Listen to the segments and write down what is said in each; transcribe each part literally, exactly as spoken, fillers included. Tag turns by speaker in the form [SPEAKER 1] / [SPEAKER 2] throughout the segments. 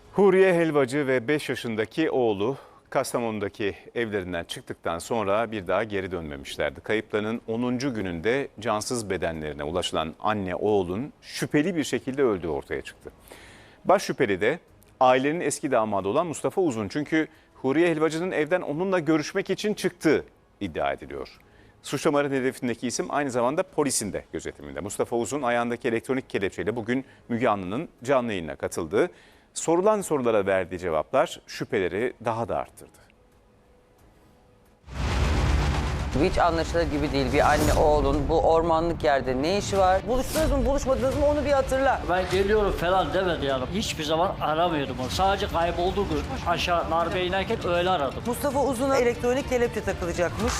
[SPEAKER 1] Huriye Helvacı ve beş yaşındaki oğlu Kastamonu'daki evlerinden çıktıktan sonra bir daha geri dönmemişlerdi. Kayıplarının onuncu gününde cansız bedenlerine ulaşılan anne oğlun şüpheli bir şekilde öldüğü ortaya çıktı. Baş şüpheli de ailenin eski damadı olan Mustafa Uzun. Çünkü Huriye Helvacı'nın evden onunla görüşmek için çıktığı iddia ediliyor. Suçlamaların hedefindeki isim aynı zamanda polisin de gözetiminde. Mustafa Uzun ayağındaki elektronik kelepçeyle bugün Müge Anlı'nın canlı yayınına katıldı. Sorulan sorulara verdiği cevaplar şüpheleri daha da arttırdı.
[SPEAKER 2] Hiç anlaşılır gibi değil. Bir anne oğlun bu ormanlık yerde ne işi var? Buluştunuz mu buluşmadınız mı onu bir hatırla.
[SPEAKER 3] Ben geliyorum falan demedi yani. Hiçbir zaman aramıyordum onu. Sadece kaybolduğu gün aşağı Narbe'ye inerken öyle aradım.
[SPEAKER 2] Mustafa Uzun'a elektronik kelepçe takılacakmış.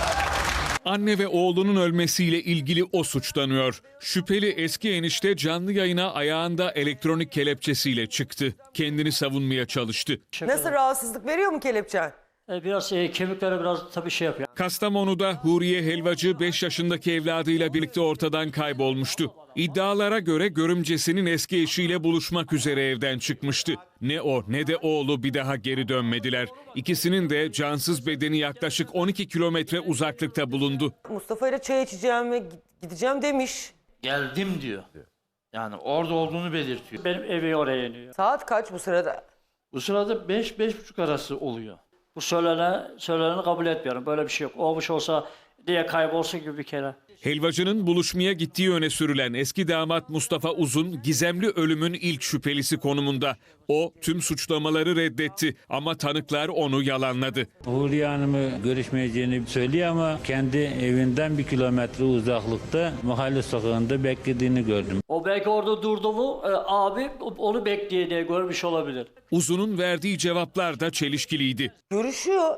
[SPEAKER 4] Anne ve oğlunun ölmesiyle ilgili o suçlanıyor. Şüpheli eski enişte canlı yayına ayağında elektronik kelepçesiyle çıktı. Kendini savunmaya çalıştı.
[SPEAKER 2] Nasıl, rahatsızlık veriyor mu kelepçen?
[SPEAKER 3] E, biraz e, kemiklere biraz tabii şey yapıyor.
[SPEAKER 4] Kastamonu'da Huriye Helvacı beş yaşındaki evladıyla birlikte ortadan kaybolmuştu. İddialara göre görümcesinin eski eşiyle buluşmak üzere evden çıkmıştı. Ne o ne de oğlu bir daha geri dönmediler. İkisinin de cansız bedeni yaklaşık on iki kilometre uzaklıkta bulundu.
[SPEAKER 2] Mustafa ile çay içeceğim ve gideceğim demiş.
[SPEAKER 5] Geldim diyor. Yani orada olduğunu belirtiyor.
[SPEAKER 3] Benim evi oraya iniyor.
[SPEAKER 2] Saat kaç bu sırada?
[SPEAKER 5] Bu sırada beş beş buçuk arası oluyor.
[SPEAKER 3] Bu söylene, söyleneni kabul etmiyorum. Böyle bir şey yok. Olmuş olsa diye kaybolsun gibi bir kere.
[SPEAKER 4] Helvacı'nın buluşmaya gittiği öne sürülen eski damat Mustafa Uzun gizemli ölümün ilk şüphelisi konumunda. O tüm suçlamaları reddetti ama tanıklar onu yalanladı.
[SPEAKER 6] Huriye Hanım'ı görüşmeyeceğini söylüyor ama kendi evinden bir kilometre uzaklıkta mahalle sokağında beklediğini gördüm.
[SPEAKER 3] O belki orada durdu mu e, abi onu bekleye diye görmüş olabilir.
[SPEAKER 4] Uzun'un verdiği cevaplar da çelişkiliydi.
[SPEAKER 2] Görüşüyor.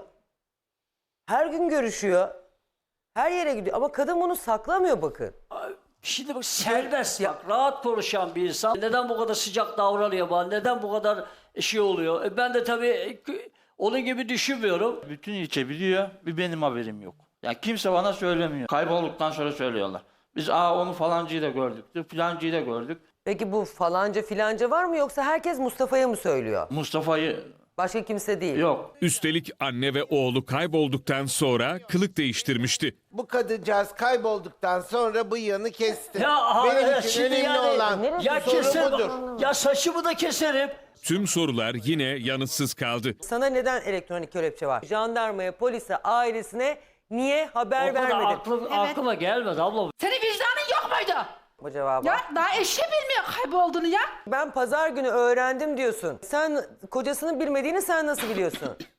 [SPEAKER 2] Her gün görüşüyor. Her yere gidiyor ama kadın bunu saklamıyor bakın.
[SPEAKER 3] Şimdi bak serbest ya, rahat konuşan bir insan. Neden bu kadar sıcak davranıyor bana? Neden bu kadar şey oluyor? E ben de tabii e, onun gibi düşünmüyorum.
[SPEAKER 5] Bütün ilçe biliyor, bir benim haberim yok. Yani kimse bana söylemiyor. Kaybolduktan sonra söylüyorlar. Biz aa onu falancıyı da gördük, filancıyı da gördük.
[SPEAKER 2] Peki bu falanca filanca var mı yoksa herkes Mustafa'ya mı söylüyor?
[SPEAKER 5] Mustafa'yı
[SPEAKER 2] Başka kimse değil.
[SPEAKER 5] yok.
[SPEAKER 4] Üstelik anne ve oğlu kaybolduktan sonra kılık değiştirmişti.
[SPEAKER 7] Bu kadıncağız kaybolduktan sonra bıyığını kesti.
[SPEAKER 3] Ya aha,
[SPEAKER 7] Benim
[SPEAKER 3] evet,
[SPEAKER 7] için
[SPEAKER 3] şimdi
[SPEAKER 7] önemli
[SPEAKER 3] yani,
[SPEAKER 7] olan
[SPEAKER 3] ya
[SPEAKER 7] soru
[SPEAKER 3] keserim,
[SPEAKER 7] budur.
[SPEAKER 3] ya saçımı da keserim.
[SPEAKER 4] Tüm sorular yine yanıtsız kaldı.
[SPEAKER 2] Sana neden elektronik kelepçe var? Jandarmaya, polise, ailesine niye haber
[SPEAKER 3] O kadar
[SPEAKER 2] vermedin?
[SPEAKER 3] aklım, aklıma gelmedi abla.
[SPEAKER 8] Senin vicdanın yok muydu?
[SPEAKER 2] Bu cevabı.
[SPEAKER 8] Ya daha eşi bilmiyor kaybolduğunu ya.
[SPEAKER 2] Ben pazar günü öğrendim diyorsun. Sen kocasının bilmediğini sen nasıl biliyorsun?